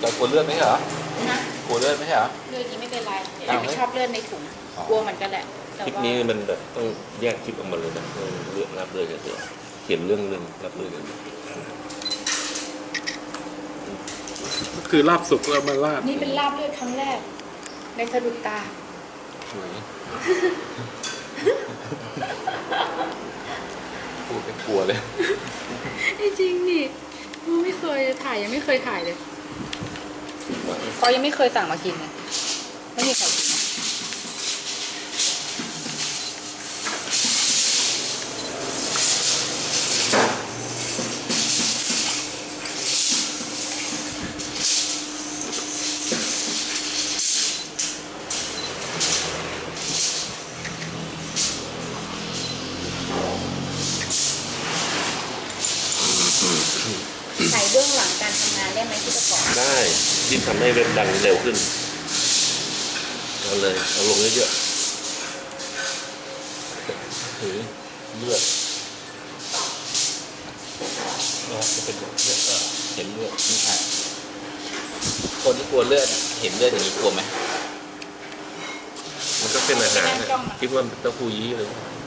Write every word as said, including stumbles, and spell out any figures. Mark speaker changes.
Speaker 1: เรากลัวเลือดไหมเหรอ
Speaker 2: นะ
Speaker 1: กลัวเลือดไหมเหรอ
Speaker 2: เลือดนี้ไม่เป็นไรไม่ชอบเลือดในถุงกลัวเหมือนกันแหละ
Speaker 3: คลิปนี้มันแบบต้องแยกคลิปออกมาเลยนะเลือกรับเลยกันเถอะเขียนเรื่องหนึ่งรับเลยกัน
Speaker 4: คือลาบสุกแล้วมาลาบ
Speaker 2: นี่เป็นลาบเลือดครั้งแรกในสะดุดตา
Speaker 1: พูดเป็นกลัวเลย
Speaker 2: จริงนี่ไม่เคยถ่ายยังไม่เคยถ่ายเลยเขายังไม่เคยสั่งมากินเลยไม่มีใครกินถ่ายเบื้องหลังการทำงานได้ไหมที่ประกอบ
Speaker 3: ได้ที่ทำให้เว็บดังเร็วขึ้นเอาเลยเอาลงเยอะ
Speaker 1: ๆถือเลือดเราจะเป็นเลือดเห็นเลือดนี่ค่ะคนที่กลัวเลือดเห็นเลือดอย่างนี้กลัวไหม
Speaker 3: มันก็เป็นอาหารคิดว่าเต้าหู้ยี้เลย